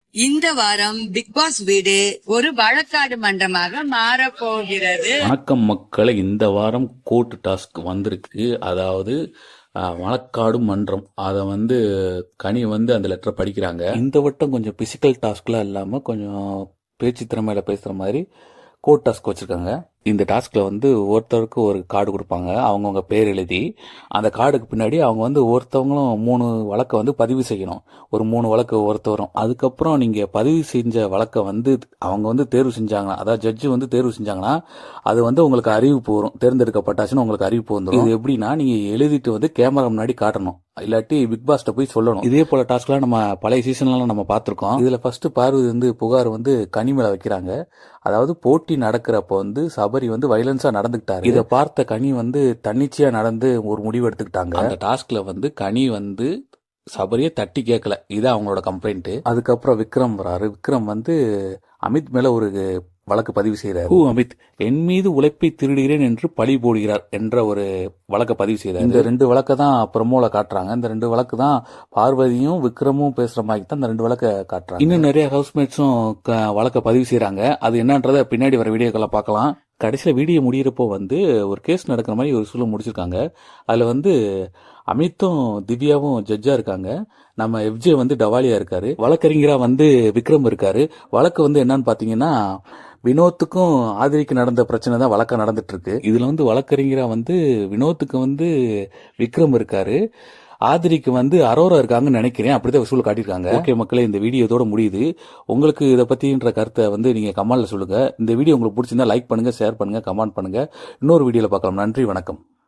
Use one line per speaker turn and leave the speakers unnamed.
இந்த வாரம் big pass வீடு ஒரு வழக்காடு மன்றமாக மாறப்போகிறது.
வணக்கம் மக்களை, இந்த வாரம் கோர்ட் டாஸ்க் வந்திருக்கு. அதாவது வழக்காடு மன்றம். அதை கனி அந்த லெட்டரை படிக்கிறாங்க. இந்த வட்டம் கொஞ்சம் பிசிக்கல் டாஸ்க்லாம் இல்லாமல் கொஞ்சம் பேச்சு திறமையில பேசுகிற மாதிரி கோர்ட் டாஸ்க் வச்சுருக்காங்க. இந்த டாஸ்கில் ஒருத்தருக்கு ஒரு கார்டு கொடுப்பாங்க. அவங்கவுங்க பேர் எழுதி அந்த கார்டுக்கு பின்னாடி அவங்க ஒருத்தவங்களும் 3 வழக்கை பதிவு செய்யணும். ஒரு 3 வழக்கு ஒருத்தவரும். அதுக்கப்புறம் நீங்கள் பதிவு செஞ்ச வழக்கை அவங்க தேர்வு செஞ்சாங்கன்னா, அதாவது ஜட்ஜு தேர்வு செஞ்சாங்கன்னா அது உங்களுக்கு அறிவிப்பு வரும். தேர்ந்தெடுக்கப்பட்டாச்சுன்னு உங்களுக்கு அறிவிப்பு வந்துடும். இது எப்படின்னா, நீங்கள் எழுதிட்டு கேமரா முன்னாடி காட்டணும். இல்லாட்டி பிக் பாஸ்ட போய் சொல்லணும். இதே போல டாஸ்க்லாம் நம்ம பழைய சீசன்லாம் நம்ம பார்த்துருக்கோம். இதுல ஃபர்ஸ்ட் பார்வதி புகார் கனி மேல வைக்கிறாங்க. அதாவது போட்டி நடக்கிறப்ப சபரி வயலன்ஸா நடந்துக்கிட்டாரு. இதை பார்த்த கனி தன்னிச்சையா நடந்து ஒரு முடிவு எடுத்துக்கிட்டாங்க. அந்த டாஸ்க்ல கனி சபரியை தட்டி கேட்கல. இது அவங்களோட கம்ப்ளைண்ட். அதுக்கப்புறம் விக்ரம் வராரு. விக்ரம் அமித் மேல ஒரு வழக்கு பதிவு செய்கிறார். அமித் என் மீது உழைப்பை திருடுகிறேன் என்று பழி போடுகிறார் என்ற ஒரு வழக்கை பதிவு செய்கிறார். இந்த 2 வழக்கை தான் ப்ரமோல காட்டுறாங்க. இந்த 2 வழக்கு தான் பார்வதியும் விக்ரமும் பேசுற மாதிரி தான் இந்த 2 வழக்கை காட்டுறாங்க. இன்னும் நிறைய ஹவுஸ்மேட்ஸும் வழக்கை பதிவு செய்யறாங்க. அது என்னன்றத பின்னாடி வர வீடியோக்களை பார்க்கலாம். கடைசியில் வீடியோ முடிகிறப்போ ஒரு கேஸ் நடக்கிற மாதிரி ஒரு சூழல் முடிச்சிருக்காங்க. அதில் அமித்தும் திவ்யாவும் ஜட்ஜா இருக்காங்க. நம்ம எஃப்ஜே டவாலியா இருக்காரு. வழக்கறிஞரா விக்ரம் இருக்காரு. வழக்கு என்னன்னு பாத்தீங்கன்னா, வினோத்துக்கும் ஆதிரிக்கு நடந்த பிரச்சனை தான் வழக்கா நடந்துட்டு இருக்கு. இதுல வழக்கறிஞரா வினோத்துக்கு விக்ரம் இருக்காரு. ஆதிரிக்கு அரோரா இருக்காங்கன்னு நினைக்கிறேன். அப்படிதான் வசூல் காட்டியிருக்காங்க. ஓகே மக்களே, இந்த வீடியோ இதோட முடியுது. உங்களுக்கு இதை பத்தின்ற கருத்தை நீங்க கமெண்ட்ல சொல்லுங்க. இந்த வீடியோ உங்களுக்கு பிடிச்சிருந்தா லைக் பண்ணுங்க, ஷேர் பண்ணுங்க, கமெண்ட் பண்ணுங்க. இன்னொரு வீடியோல பார்க்கலாம். நன்றி, வணக்கம்.